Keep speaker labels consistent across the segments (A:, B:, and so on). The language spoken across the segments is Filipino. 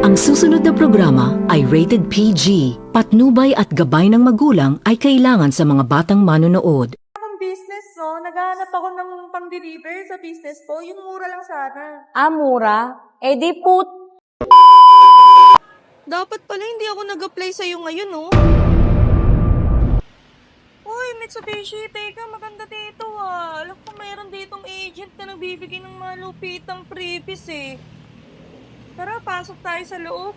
A: Ang susunod na programa ay rated PG. Patnubay at gabay ng magulang ay kailangan sa mga batang manonood.
B: Ang business, no? Naghahanap ako ng pang-deliver sa business ko. Yung mura lang sana.
C: Ah, mura? Eh di
B: Dapat pala hindi ako nag-apply sa'yo ngayon, no? Uy, Mitsubishi, teka, maganda dito, ah. Alam ko mayroon ditong agent na nagbibigay ng malupitang freebies, eh. Tara, pasok tayo sa loob.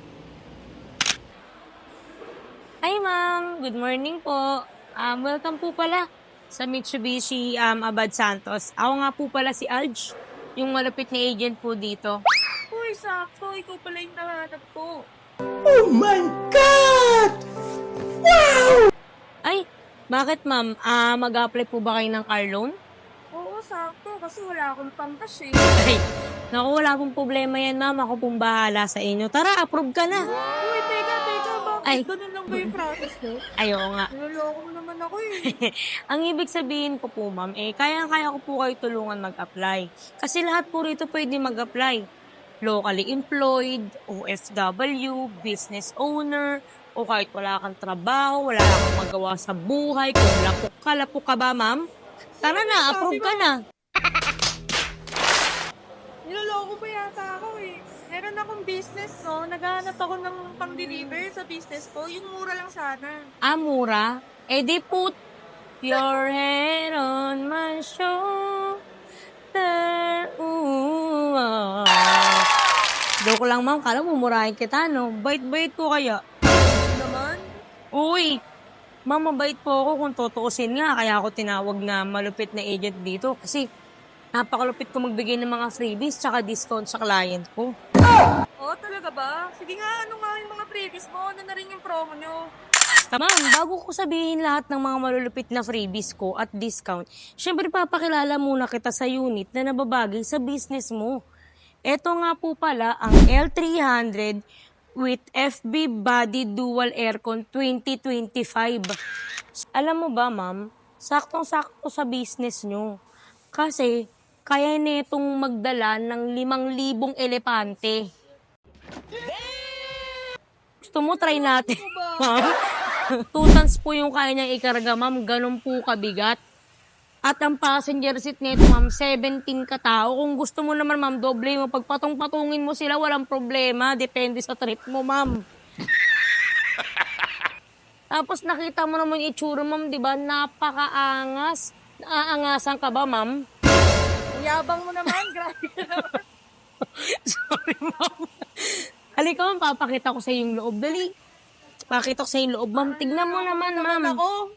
C: Hi ma'am, good morning po. Welcome po pala sa Mitsubishi Abad Santos. Ako nga po pala si Alj, yung malapit na agent po dito.
B: Uy, sakto. Ikaw pala yung nahanap ko.
C: Ay, bakit ma'am? Mag-apply po ba kayo ng car loan?
B: Oo, sakto. Kasi wala akong pangkas, eh.
C: Ay, naku, wala pong problema yan ma'am. Ako pong bahala sa inyo. Tara, approve ka na.
B: Uy, teka. Bakit
C: Ay.
B: ganun lang ba yung process mo?
C: Ayo nga.
B: Niloloko mo naman ako, eh.
C: Ang ibig sabihin ko po ma'am, kaya ko po kayo tulungan mag-apply. Kasi lahat po rito pwede mag-apply. Locally employed, OFW, business owner, o kahit wala kang trabaho, wala kang magawa sa buhay, kung lapok ka ba, ma'am? Tara na, approve ka na.
B: Niloloko ba yata ako, eh. Meron akong business, no? Naghahanap ako ng pang-deliver sa business ko. Yung mura lang sana.
C: Ah, mura? Eh di put your head on my shoulder. Ooh, ah. Joke lang, ma'am. Kala mo, murahin kita, no? Bait-bait ko kaya.
B: Ano naman?
C: Uy! Ma'am, mabait po ako kung tutuusin nga. Kaya ako tinawag na malupit na agent dito. Kasi napakalupit ko magbigay ng mga freebies tsaka discount sa client ko.
B: Oo, talaga ba? Sige nga, ano nga yung mga previous mo? Ano na rin yung promo nyo?
C: Ma'am, bago ko sabihin lahat ng mga malulupit na freebies ko at discount, syempre papakilala muna kita sa unit na nababagay sa business mo. Ito nga po pala ang L300 with FB Body Dual Aircon 2025. Alam mo ba, ma'am, saktong-sakto sa business nyo. Kasi kaya netong magdala ng 5,000 elepante. Gusto mo try natin, ma'am? 2 tons po yung kaya niyang ikarga, ma'am. Ganun po kabigat. At ang passenger seat nito, ma'am, 17 katao. Kung gusto mo naman, ma'am, doble mo. Pagpatong-patungin mo sila, walang problema. Depende sa trip mo, ma'am. Tapos nakita mo naman yung itsura, ma'am, di ba? Napakaangas. Naaangasan ka ba, ma'am?
B: Ang yabang mo naman, grabe ka naman.
C: Sorry, ma'am. Halika, ma'am, papakita ko sa yung loob. Dali. Pakita ko sa yung loob, ma'am. Tignan mo naman, ma'am.
B: Ako,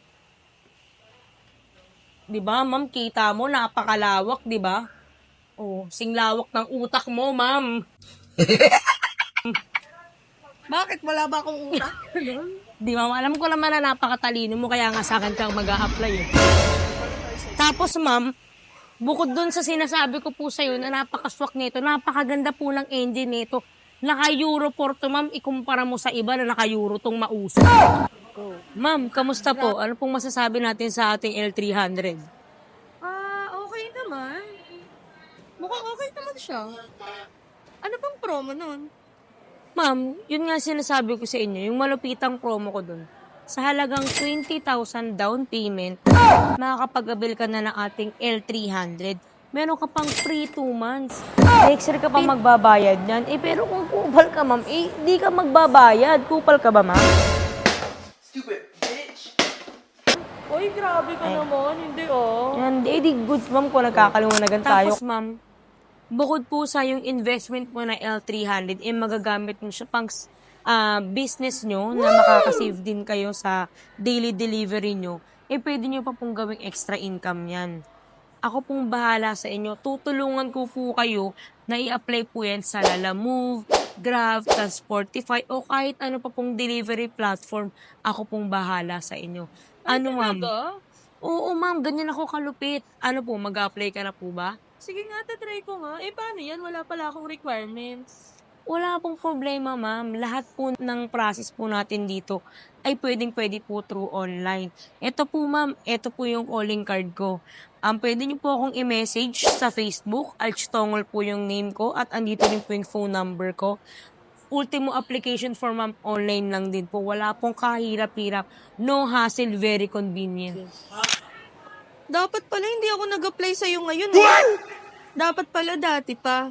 C: Di ba, ma'am, kita mo, napakalawak, di ba? Oh, singlawak ng utak mo, ma'am.
B: bakit wala ba akong utak?
C: Di ba, alam ko naman na napakatalino mo, kaya nga sa akin kang mag-a-apply eh. Tapos, ma'am, bukod dun sa sinasabi ko po sa'yo na napakaswak nito, napakaganda po ng engine nito. Naka-Euro 4 to, ma'am, ikumpara mo sa iba na naka-Euro tong mauso. Ma'am, kamusta po? Ano pong masasabi natin sa ating L300?
B: Okay naman. Mukhang okay naman siya. Ano bang promo nun?
C: Ma'am, yun nga sinasabi ko sa inyo, yung malupitang promo ko dun. Sa halagang 20,000 down payment, makakapag-avail ka na ng ating L300. Meron ka pang free 2 months. Next year ka pa magbabayad yan. Pero kung kupal ka, ma'am, di ka magbabayad. Kupal ka ba, ma'am?
B: Uy, grabe ka naman. Hindi, oh.
C: Yan, di goods, ma'am, kung nagkakaliwanagan tayo. Tapos, ma'am, bukod po sa yung investment mo na L300, magagamit mo siya pang business nyo na makakasave din kayo sa daily delivery nyo, pwede nyo pa pong gawing extra income yan. Ako pong bahala sa inyo. Tutulungan ko po kayo na i-apply po yan sa Lalamove, Grab, Transportify, o kahit ano pa pong delivery platform. Ako pong bahala sa inyo. Ano, ma'am? Oo, ma'am. Ganyan ako kalupit. Ano po, mag-apply ka na po ba?
B: Sige nga, tatry ko nga. Paano yan? Wala pala akong requirements.
C: Wala pong problema, ma'am. Lahat po ng process po natin dito ay pwede po through online. Ito po, ma'am. Ito po yung calling card ko. Pwede niyo po akong i-message sa Facebook. Alch Tongol po yung name ko at andito rin po yung phone number ko. ultimo application form, ma'am, online lang din po. Wala pong kahirap-hirap. No hassle, very convenient.
B: Dapat pala hindi ako nag-apply sa'yo ngayon. Eh. Dapat pala dati pa.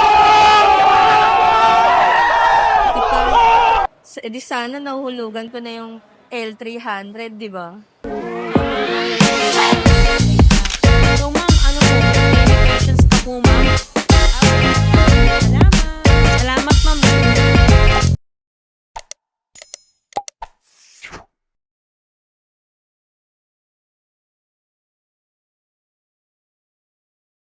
B: Dati pa. Di sana nahuhulugan ko na yung L300, di ba?
C: So, ma'am, ano po? Any questions pa po, ma'am?